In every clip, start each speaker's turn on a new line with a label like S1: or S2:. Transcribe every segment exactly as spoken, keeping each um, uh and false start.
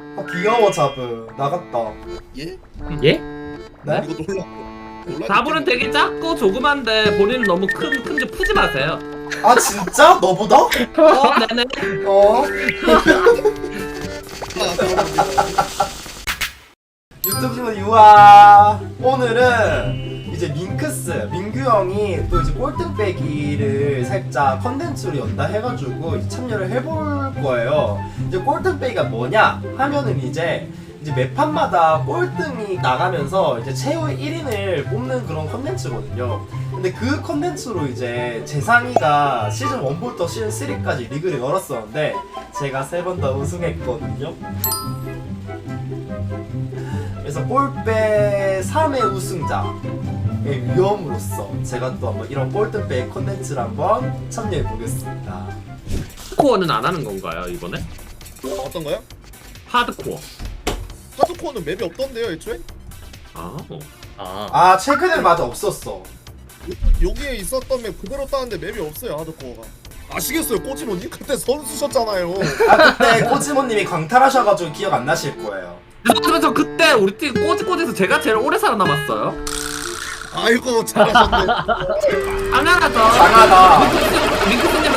S1: 아 귀여워 자브. 나갔다.
S2: 예?
S3: 예?
S1: 네?
S2: 이거 놀라. 놀라.
S4: 다불은 되게 작고 조그만데 본인은 너무 큰 큰지 푸지 마세요.
S1: 아 진짜? 너보다?
S4: 어, 네네.
S1: 어?
S2: 아,
S1: 유튜브 친구 유아. 오늘은 이제 밍크스 민규 형이 또 이제 꼴등빼기를 살짝 컨텐츠로 연다 해가지고 이제 참여를 해볼 거예요. 이제 꼴등빼기가 뭐냐 하면은 이제 이제 매판마다 꼴등이 나가면서 이제 최후 일 인을 뽑는 그런 컨텐츠거든요. 근데 그 컨텐츠로 이제 재상이가 시즌 일부터 시즌 삼까지 리그를 열었었는데 제가 세 번 다 우승했거든요. 그래서 꼴빼 삼 회 우승자의 위험으로서 제가 또 한번 이런 꼴등빼 컨텐츠를 한번 참여해 보겠습니다.
S4: 코어는 안 하는 건가요 이번에?
S2: 어떤 거요?
S4: 하드코어.
S2: 하드코어는 맵이 없던데요, 애초에?
S4: 아, 어.
S3: 아,
S1: 아 최근에 맞아 없었어.
S2: 여기에 있었던 맵 그대로 따는데 맵이 없어요, 하드코어가. 아시겠어요, 꼬지모님? 그때 선수셨잖아요.
S1: 아 그때 꼬지모님이 광탈하셔가지고 기억 안 나실 거예요.
S4: 하지만 저 그때 우리 팀 꼬지꼬지에서 제가 제일 오래 살아남았어요.
S2: 아이고, 잘하셨네.
S4: 당연하죠.
S1: 장하다.
S4: 밍크스님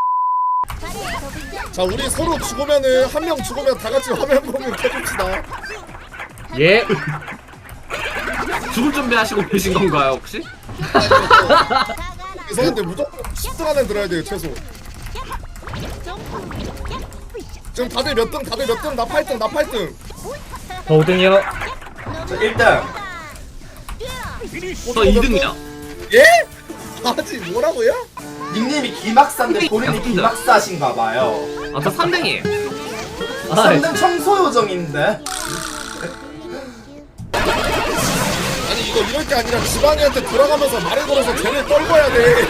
S2: 자, 우리 서로 죽으면은 한 명 죽으면 다 같이 화면 공유 켜줍시다.
S3: 예?
S4: 죽을 준비하시고 계신 건가요 혹시?
S2: 이상한데 무조건 십 등 안에 들어야 돼요, 최소. 지금 다들 몇 등? 다들 몇 등? 나 팔 등, 나 팔 등.
S3: 저 오 등이요.
S1: 저 일 등.
S4: 저 이 등이요.
S2: 예? 아직 뭐라고요?
S1: 닉님이 기막사인데 본인이 기막사신가봐요.
S4: 아, 저 삼 등이에요.
S3: 아,
S1: 삼 등 청소 요정인데.
S2: 아니 이거 이럴 게 아니라 지방이한테 들어가면서 말을 걸어서 쟤를 떨궈야 돼.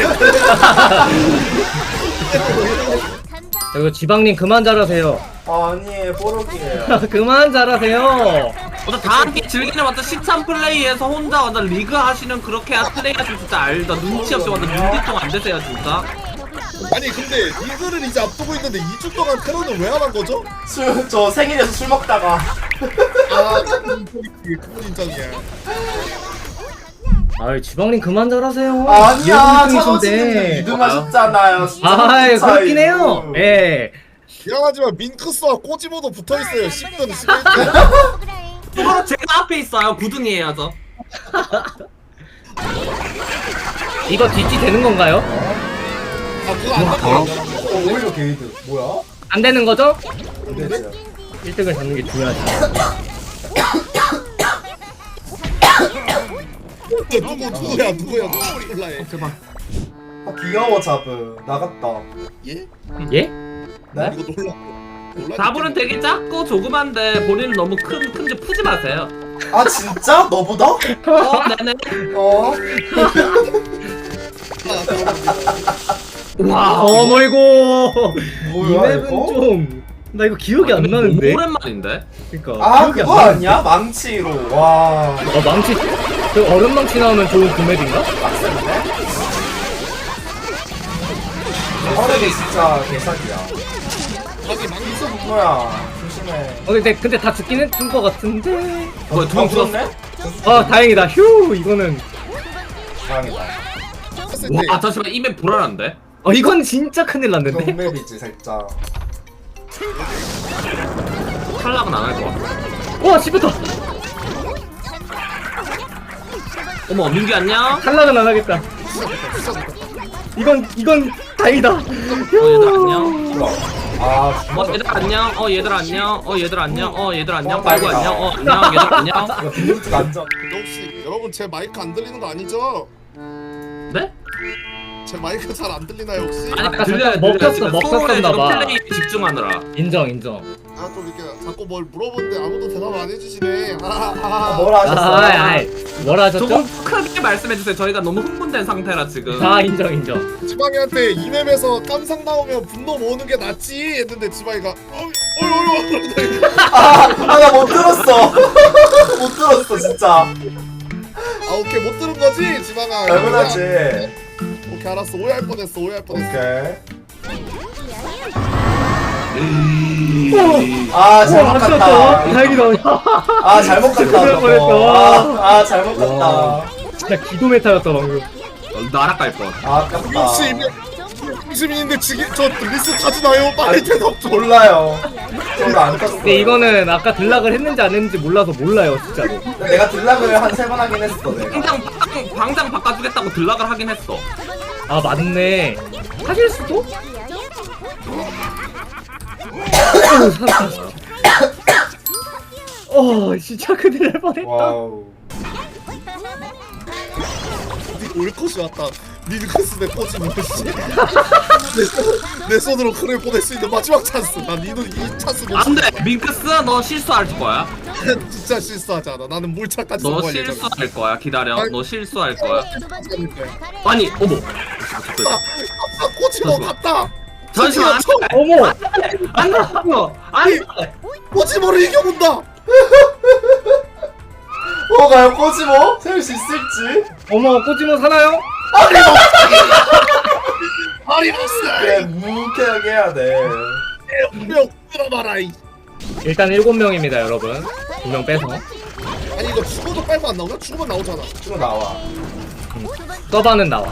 S3: 이거 지방님 그만 잘하세요.
S1: 아니 뽀록이에요.
S3: 그만 잘하세요.
S4: 저 다 함께 즐기는 완전 시참 플레이에서 혼자 완전 리그 하시는 그렇게 플레이 하시면 진짜 알다. 눈치 없이 완전 눈뒤통 안 되세요 진짜.
S2: 아니 근데 리그를 이제 앞두고 있는데 이 주 동안 테러는 왜 안 한 거죠?
S1: 술, 저 생일에서 술 먹다가.
S2: 아 그건 인정이야.
S3: 아이, 지방님 그만 잘하세요.
S1: 아니야,
S3: 이등이신데.
S1: 차고지님 이 등 하셨잖아요.
S3: 아이, 그렇긴 해요. 예.
S2: 미안하지만 밍크스와 꼬지모도 붙어있어요. 십 등, 십일 등.
S4: 그거 제가 앞에 있어요. 구 등이에요 저.
S3: 이거 뒷지 되는 건가요?
S2: 아 그거 안 돼요.
S1: 어, 오히려 게이드. 뭐야?
S3: 안 되는 거죠?
S1: 근데
S3: 일 등을 잡는 게 중요하지.
S2: 누구 누구야 누구야 누구 몰라해.
S4: 제발.
S1: 아 귀여워 자브. 나갔다.
S2: 예?
S3: 예?
S1: 네?
S2: 이거 놀라. 놀라.
S4: 다불은 되게 작고 조그만데 본인은 너무 큰 큰지 푸지 마세요.
S1: 아 진짜? 너보다?
S4: 어, 네네.
S1: 어?
S4: 와,
S3: 어머이고. 이
S1: 뭐야
S3: 맵은
S1: 이거?
S3: 좀. 나 이거 기억이 안 나는데.
S4: 오랜만인데.
S3: 그러니까.
S1: 아
S3: 기억이 안
S1: 그거
S3: 나는데.
S1: 아니야? 망치로. 와.
S3: 어, 망치. 그 얼음 망치 나오면 좋은 그 맵인가?
S1: 빡센데? 어르게 진짜 개사기야.
S2: 자기 망치
S1: 뭐야? 조심해.
S3: 어, 근데 근데 다 죽긴 했던 것 같은데.
S4: 뭐야, 두명 죽었어?
S3: 아, 다행이다. 휴, 이거는.
S1: 다행이다.
S2: 했을 때
S4: 와, 잠시만 이맵 불안한데.
S3: 어, 이건 진짜 큰일 났는데.
S1: 경맵이지 살짝.
S4: 탈락은 안 할 것 같아.
S3: 와, 씹혔다.
S4: 어머, 민규 안녕.
S3: 탈락은 안 하겠다. 이건 이건 다행이다.
S4: 어, 얘들 안녕.
S1: 몰라. 아
S4: 어, 얘들 안녕. 어, 얘들 안녕. 어, 얘들 안녕. 어, 얘들 안녕.
S1: 어,
S4: 빨고
S1: 다행이다.
S4: 안녕. 어, 안녕. 얘들 안녕.
S1: 이거 빈민트가 안전.
S2: 근데 혹시 여러분 제 마이크 안 들리는 거 아니죠?
S4: 네?
S2: 제 마이크 잘 안 들리나요 혹시?
S4: 아니,
S3: 아까
S4: 들려요,
S3: 잠깐
S4: 들려요.
S3: 먹혔어,
S4: 지금
S3: 먹혔었나
S4: 서로의
S3: 봐.
S4: 플레이에 집중하느라.
S3: 인정 인정.
S2: 아 좀 이렇게 자꾸 뭘 물어보는데 아무도 대답 안 해주시네. 아, 아,
S1: 뭐라 하셨어요?
S3: 아, 아이, 뭐라 하셨죠?
S4: 조금 크게 말씀해주세요. 저희가 너무 흥분된 상태라 지금.
S3: 아, 인정 인정.
S2: 지방이한테 이 맵에서 깜상 나오면 분노 모으는 게 낫지 했는데 지방이가 어이 어이 어이
S1: 아나 못 들었어. 못 들었어 진짜.
S2: 아 오케이 못 들은 거지 지방아.
S1: 당연하지.
S2: 오케이 알았어 오해할 뻔했어 오해할 뻔했어.
S1: 오케이. 아 잘못
S3: 안
S1: 갔다.
S3: 떴다. 다행이다.
S1: 아 잘못 갔다.
S3: 큰일 날
S1: 저거.
S3: 뻔했다.
S1: 아, 아 잘못 갔다.
S3: 와. 진짜 기도 메타였다 방금.
S4: 나락갈 뻔.
S1: 아 아깝다.
S2: 역시 시민인데 지금 저 리스트 가지나요? 빨리 대답 좀.
S1: 몰라요. 저도 안 떴어.
S3: 근데 이거는 아까 들락을 했는지 안 했는지 몰라서 몰라요 진짜로.
S1: 내가 딜락을 한 세 번 하긴 했어 내가.
S4: 방장 바꿔- 방장 바꿔주겠다고 들락을 하긴 했어.
S3: 아 맞네. 하실 수도? 어우, 살았다. 어 진짜 큰일 날 뻔했다.
S1: 와우.
S2: 올 것이 왔다. 링크스 내 꽂지 못했지. 내 손으로 크를 보낼 수 있는 마지막 찬스. 난 이도 이 찬스
S4: 안돼 밍크스 너 실수할 거야.
S2: 진짜 실수하지 않아. 나는 물차까지
S4: 너
S2: 성공할 예정이야.
S4: 실수할 거야. 기다려. 너 실수할 거야.
S2: 아닐 거야.
S4: 아니 어머.
S2: 아 꼬치모 갔다.
S4: 잠시만.
S2: 총
S3: 어머.
S4: 안돼. 아니.
S2: 꼬치모를 이겨본다.
S1: 어 과연 꼬지모 세울 수 있을지.
S3: 어머 꼬지모 사나요?
S2: 아리버스.
S1: 그래 묵묵하게 해야 돼.
S2: 명 끌어봐라. 이.
S3: 일단 일곱 명입니다 여러분. 두 명 빼서.
S2: 아니 이거 죽어도 빨고 안 나오나? 죽으면 나오잖아.
S1: 쭉 나와.
S3: 서바는 나와.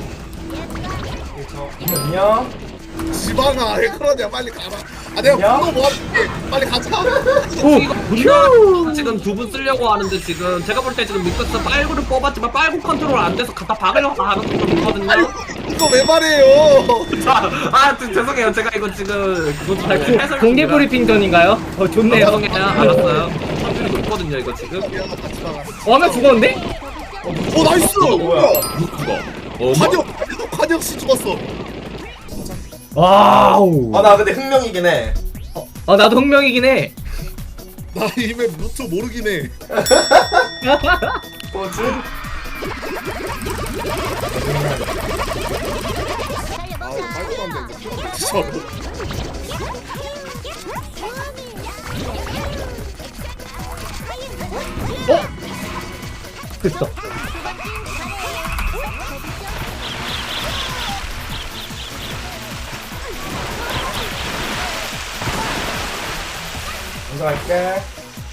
S1: 안녕.
S2: 지방아 왜 그러냐 빨리 가라. 아 내가
S1: 안녕?
S2: 분노 모았는데 빨리 가자.
S3: 오!
S4: 이거 분노 지금 두 분 쓰려고 하는데 지금 제가 볼 때 지금 밍크스 빨구를 뽑았지만 빨구 컨트롤 안 돼서 갖다 박으려고 하는 것도 있거든요.
S2: 이거 왜 말해요?
S4: 아 저- 죄송해요. 제가 이거 지금 그거
S3: 아, 고,
S4: 해설
S3: 공개
S4: 중이라.
S3: 브리핑 전인가요? 어 좋네요.
S4: 죄송해요. 알았어요. 확률이 높거든요 이거 지금.
S2: 같이 나가.
S3: 어, 하나 죽었는데?
S2: 오 나이스.
S1: 어, 뭐야?
S4: 누구? 어,
S2: 관역 관역 씨 죽었어.
S3: 와우.
S1: 아 나 근데 흥명이긴 해.
S3: 아 나도 흥명이긴 해.
S2: 나 이메 루트 모르긴 해.
S1: 뭐지?
S2: 아 말도 안 돼. 진짜로.
S3: 어? 됐어.
S1: 먼저 갈게.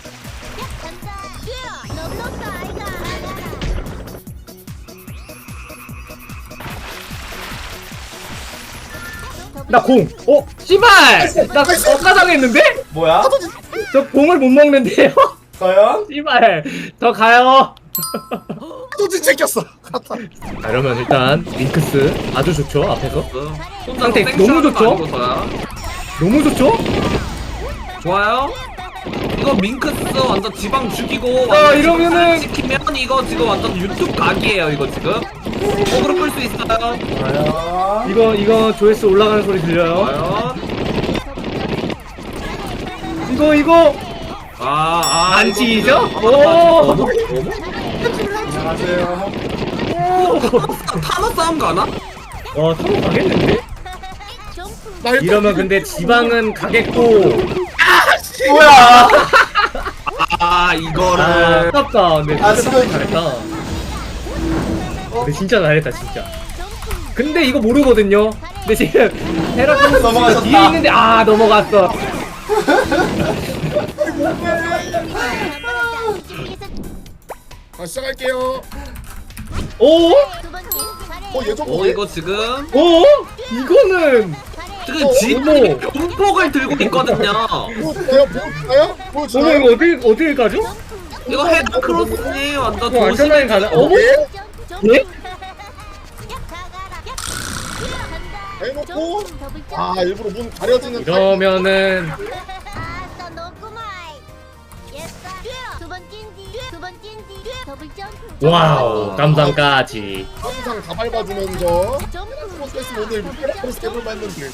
S3: 나 공. 어? 씨발! 나 억가당했는데?
S1: 뭐야?
S3: 저 공을 못 먹는데요?
S1: 과연?
S3: 씨발. 저 가요.
S2: 또지 챙겼어. 갔다.
S3: 자, 이러면 일단 링크스 아주 좋죠 앞에서.
S4: 혼자
S3: 상태
S4: 생쇼하는
S3: 너무
S4: 거
S3: 좋죠?
S4: 아니고서야.
S3: 너무 좋죠?
S4: 좋아요. 이거 밍크스 완전 지방 죽이고
S3: 아,
S4: 완전
S3: 이러면은-
S4: 지키면 이거 지금 완전 유튜브 각이에요 이거 지금. 어그로 끌 수 있어요.
S1: 과연?
S3: 이거 이거 조회수 올라가는 소리 들려요?
S4: 과연?
S3: 이거 이거
S4: 아, 아,
S3: 안
S4: 이거
S3: 지죠?
S4: 지금-
S3: 오!
S4: 어머?
S1: 안녕하세요.
S4: 타노 싸움 가나?
S3: 와 서로 가겠는데?
S2: 나 일단
S3: 이러면 근데 지방은 가겠고.
S1: 뭐야?
S4: 아
S3: 아
S4: 이거를
S3: 아깝다. 근데
S1: 아,
S3: 진짜
S1: 지금-
S3: 잘했다. 근데 진짜 잘했다 진짜. 근데 이거 모르거든요. 근데 지금 헤라클로스
S1: 넘어가셨다.
S3: 뒤에 있는데 아 넘어갔어.
S2: 아, 시작할게요.
S3: 오?
S2: 어 예전
S4: 어 이거 지금
S3: 오? 이거는
S4: 지금
S3: 어머.
S4: 지금이 병폭을 들고 있거든요.
S2: 보여주나요? 보여주나요?
S3: 어머
S2: 보여주나요?
S3: 이거 어디 어딜 가죠?
S4: 이거 헤드크로스니 완전
S3: 이거 안전하게 가나?
S4: 조심해.
S3: 어머?
S2: 예?
S3: 예?
S2: 해놓고 아 일부러 문 가려지는
S3: 이러면은 와우 깜상까지.
S2: 항상 다 밟아주면서 프로세스 오늘 프로세스 해볼만 했는데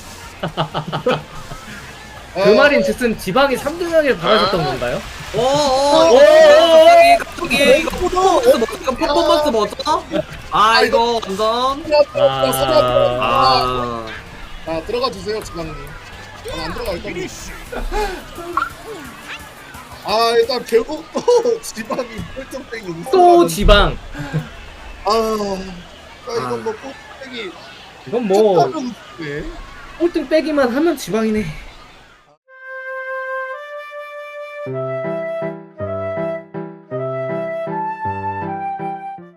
S3: 그 말인즉슨 지방이 삼 등하게 박아줬던 건가요?
S4: 오오오 갑자기 이거 퍼포먼스 뭐 이거 퍼포먼스 뭐죠? 아 이거 완전
S3: 아.
S4: 아
S2: 아 들어가 주세요 지방님. 안 들어갈 겁니다. 아 일단 결국 또 지방이 꼴등땡이
S3: 또 지방.
S2: 아, 아 이건 뭐 꼴등땡이
S3: 이건 뭐
S2: 네.
S3: 꼴등 빼기만 하면 지방이네.
S1: 아